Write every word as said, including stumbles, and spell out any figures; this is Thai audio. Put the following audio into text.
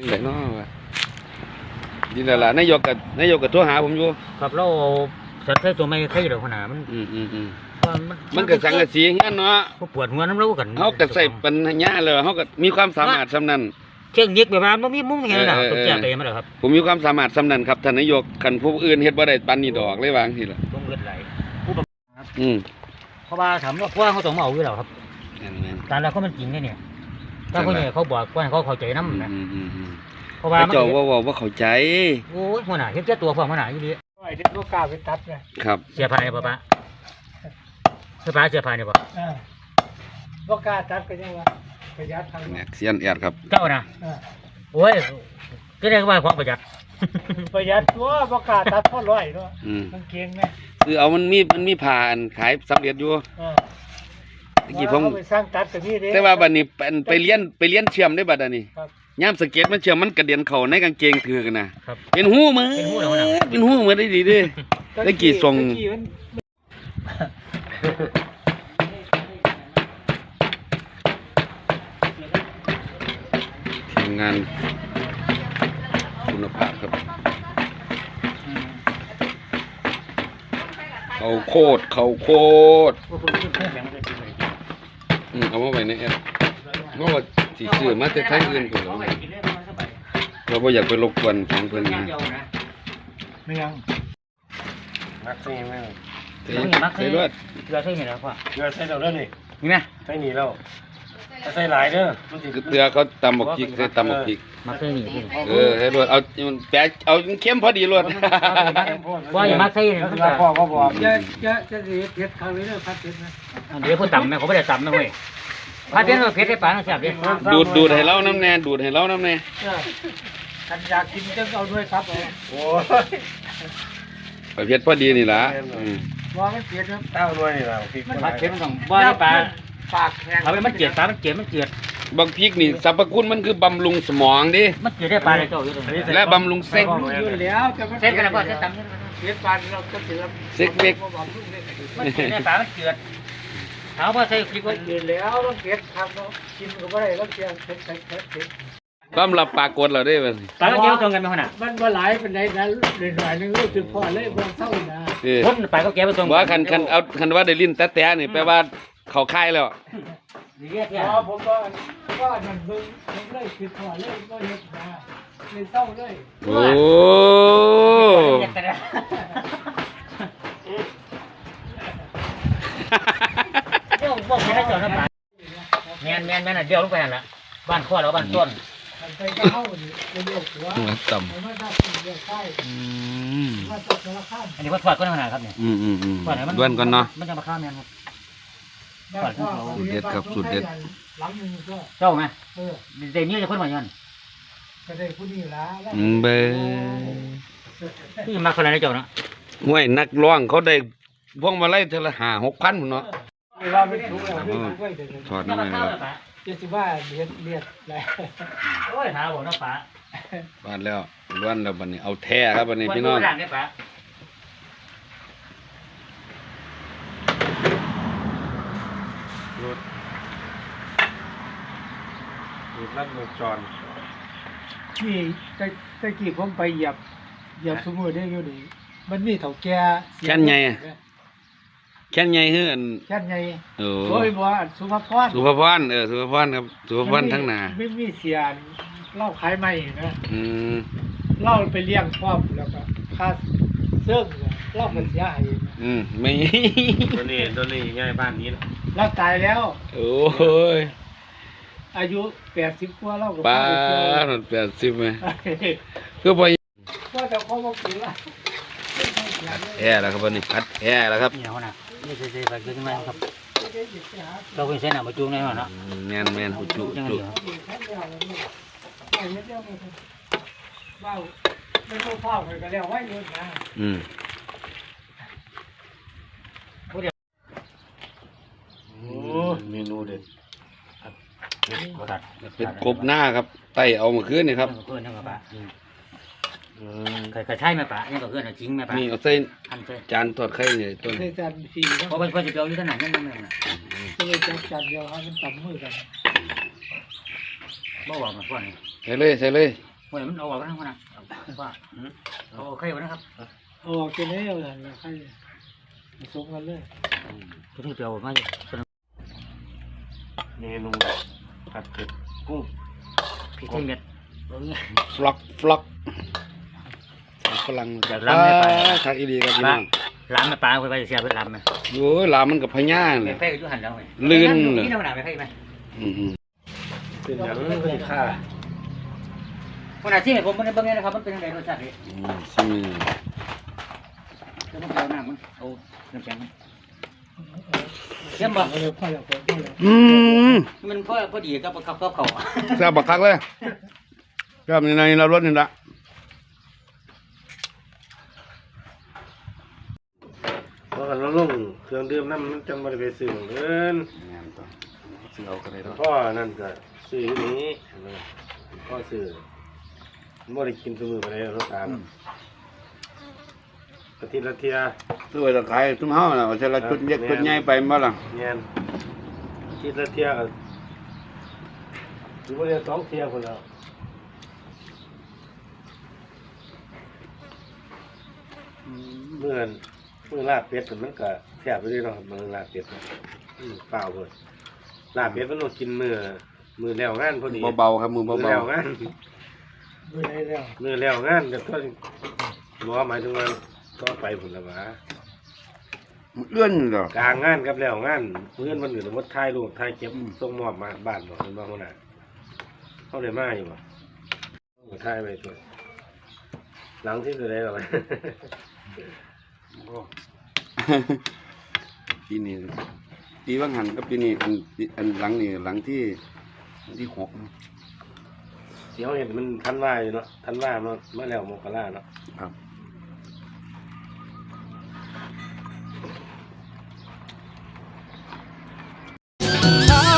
ยังไงเนาะนี่แหละนายกกับนายกกับโทรหาผมอยู่ครับเราสัตว์ใช้ตัวไม่ใช่หรอกขนาดมันอืมอืมอืมมันก็สังกะสีงั้นเนาะปวดหัวน้ำรู้กันเขาก็ใส่ปัญญาเลยเขาก็มีความสามารถสำนันเชิงยิกแบบนั้นมันมีมุ้งยังไงล่ะตกใจไปมั้ยครับผมมีความสามารถสำนันครับท่านนายกคันผู้อื่นเฮ็ดบ่ได้ปันนี่ดอกเลยวางทีละต้องเลือดไหลผู้บังคับอืมเพราะว่าถามว่าเพราะเขาต้องเอาอยู่แล้วครับแต่แล้วเขามันจริงเนี่ยถ้าเขาเนี่ยเขาบอกว่าเขาเข้าใจน้ำนะเพราะว่าเจ้าว่าว่าเข้าใจโอ้ยหัวหน้าเห็นเจ้าตัวความหัวหน้าอยู่ดีไอ้เด็กลูกกาไปตัดเลยครับเสียภายในป่ะปะเสียภายเสียภายในป่ะลูกกาตัดก็ยังว่าประหยัดทางเนี่ยเสียนแอดครับเจ้านะโอ้ยก็ได้ว่าความประหยัดประหยัดตัวลูกกาตัดพอร้อยด้วยมันเก่งไหมคือเอามันมีมันมีผ่านขายสำเร็จอยู่ตะกี้ผมไปสร้างตัดกับนี่แต่ว่าบัดนี้ไปเลี้ยนไปเลี้ยนเชื่อมได้บัดนี้ย่ามสเก็ตมันเชื่อมมันกระเด็นเข่าในกางเกงถือกันนะเป็นหูมือเป็นหูมือได้ดีด้วยตะกี้ส่งทีมงานคุณภาพครับเขาโคตรเขาโคตรอืมเอามาไว้ในแอปเพราะว่าสีเสื้อมาแต่ไทยอื่นคนเราเราไม่อยากไปรบกวนของเพื่อนนะไม่ยังมักใช่ไหมใช่มักใช่เลือดเกลือใช่ไหมล่ะพ่อเกลือใช่เราเด้อนี่นี่ไหมใช่หนีเราใส่หลายเด้อเกลือเขาตำหมกจิกใส่ตำหมกจิกมักใช่หนีเออให้รวดเอาแปะเอาเข้มพอดีรวดว่าอย่ามักใช่เนี่ยพ่อเขาบอกจะจะจะเด็ดเด็ดทางนี้เด้อพัดเด็ดนะเดี๋ยวพูดต่ำไหมเขาไม่ได้ต่ำนะเว้ยพัดเด็ดเราเผ็ดได้ป่ะนะแซ่บดิดูดดูดให้เล่าน้ำแน่ดูดให้เล่าน้ำแน่ฉันอยากกินจะเอาด้วยครับโอ้ยเผ็ดพอดีนี่ล่ะว่าไม่เผ็ดครับเต้าด้วยนี่ล่ะพัดเผ็ดมันต้องว่าได้ป่ะปากแข็งเอาไปมันเจียดปลามันเจียดมันเจียดบางพริกนี่สรรพคุณมันคือบำรุงสมองดิมันเจียดได้ปลาเลยเจ้าอยู่ตรงนี้และบำรุงเซ็กอยู่แล้วจะเซ็กกันแล้วก็เซ็กต่ำเซ็กปลาเราจะเจียดเซ็กเล็กมันเจียดได้ปลามันเจียดถามว่าใส่พริกว่าเจียดแล้วต้องเผ็ดทำเนาะกินก็ไม่ได้ต้องเจียดเผ็ดเผ็ดเผ็ดเผ็ดความลับปากกดเราได้ป่ะปลาเจียวตรงกันไหมขนาดมันว่าหลายเป็นไรนะหน่อยนึงรู้สึกพอเลยบางเท่านะคนไปก็แก้ไปตรงว่าคันคันเอาคันว่าได้ลิ้นแต่แต่นี่แปลว่าเขาคายแล้วอ๋อผมว่าว่ามันเบิ่งผมเลยคือพอเลยก็เห็นนะเลยเศร้าเลยโอ้เดี๋ยวบอกไม่ได้จอดนะป่าแมนแมนแมนอ่ะเดี๋ยวลงไปหันละบ้านข้อแล้วบ้านต้นไปเข้าเดี๋ยวหัวต่ำอันนี้วัดถอดก็ได้ขนาดครับเนี่ยอืมอืมอืมด้วนก่อนเนาะมันจะมาข้ามแมนครับสูตรเด็ดครับสูตรเด็ดเจ้าไหมเดี๋ยวนี้จะคนมายันก็ได้ผู้นี้ละเบอที่มาคนไหนเจ้านะห่วยนักร้องเขาได้พวงมาไล่เทละห้าหกพันเนาะถอดน้ำมันครับเจ็ดสิบว่าเลียดเลียดอะไรโอ้ยหาบอกนะป๋าบ้านแล้วล้วนแล้วบันนี้เอาแท้ครับบันนี้พี่น้องรถรถลัดวงจรนี่ตะตะกี้ผมไปเหยียบเหยียบสมุนได้อยู่ดีมันมีเถาแก่แค่นใหญ่แค่นใหญ่เฮือนแค่นใหญ่โอ้โอ้ยบ่สุภาพรสุภาพรเออสุภาพรครับสุภาพรทั้งหน้าไม่มีเสียนเล่าขายใหม่นะอืมเล่าไปเลี้ยงครอบแล้วก็ค่าเสื้อเล่ามันเสียหายอืมไม่ตัวนี้ตัวนี้ง่ายบ้านนี้นะเราตายแล้วโอ้ยอายุแปดสิบกว่าเราก็ป้าหนแปดสิบไหมคือพอว่าแต่เขาบอกกินละแย่แล้วครับวันนี้พัดแย่แล้วครับนี่เขานะนี่เจ๊ๆไปขึ้นมาครับเราเป็นเส้นหนามาจูงในหัวเนาะแมนแมนหูจุจุว้าวไม่ต้องเผาไปก็แล้วไว้เลยนะอืมโอ้เมนูเด็ดเป็นกบหน้าครับไต่เอามาคืนนี่ครับเพื่อนนะครับป้าเคยเคยใช่ไหมป้านี่ก็เพื่อนจริงไหมป้านี่เอาเส้นจานทอดไข่เนี่ยต้นจานฟรีเพราะเป็นคนจะเปียวอยู่ขนาดนั้นนั่นเองนะก็เลยจัดจานเดียวให้มันต่ำมือกันบ่บอกมาก่อนใส่เลยใส่เลยโอ้ยมันเอาออกแล้วนะว่าเอาใครวะนะครับออกจะแน่เลยนะใครผสมกันเลยทุกทีเปลี่ยวมาอยู่เมนูผัดเผ็ดกุ้งพี่เท่งเม็ดฟล็อกฟล็อกฝรั่งอยากล้ำได้ไปทักอีดีครับพี่น้องล้ำมาปลาไปไปเสียไปล้ำไหมโอ้ยลามันกับพญาไปเลยไปอยู่หันแล้วไงลื่นนี่เราหนาไปให้ไหมอือหือเป็นอย่างนี้เลยค่ะวันอาทิตย์ผมมันเป็นยังไงนะครับมันเป็นยังไงรสชาตินี่อืมซิมแล้วมันเอาน้ำมันเอาน้ำแข็งมันเข้มบ่เอาเลยพ่อแล้วพ่อแล้วอืมมันพอพอดีกับกับกับเขาแซ่บบักคักเลยแซ่บในในเรารสนี่ละเพราะกันเราลงเครื่องดื่มน้ำมันจังบริเวณสื่อเงินงานต่อซื้อเอาก็ได้เนาะพ่อนั่นก็สื่ออยู่นี้พ่อสื่อไม่ได้กินสมือไปเลยรถตามกะทิละเทียซื้อไว้ตะไคร้ทุ่มเฮาน่ะว่าจะละจุดเล็กจุดใหญ่ไปบ่ล่ะเงี้ยกะทิละเทียก็ถือว่าเรียนสองเทียคนแล้วเมื่อเมื่อลาบเป็ดมันก็แซ่บไปด้วยเนาะเมื่อลาบเป็ดอืมเปล่าเลยลาบเป็ดมันต้องกินมือมือแล้วงานพอดีเบาๆครับมือมือเบาแล้วงานไม่ได้แล้วมือแล้วงานก็ต้องบอกว่าหมายถึงว่าก็ไปผลละหวาๆมันเอื้อนเหรอกลางงานกับแล้วงานเพื่อนมันอยู่ในวัดท้ายลูกท้ายเก็บส่งมอบมาบ้านบอกเป็นบ้านคนน่ะเขาเลยมาอยู่บ่ก็ท้ายไปตัวหลังที่จะได้หรอปีนี้ปีว่างหันกับปีนี้อันอันหลังนี่หลังที่อันที่หกเสียวเห็นมันทันว่าอยู่เนาะทันว่ามาเมื่อแล้วมกราเนาะครับถ้า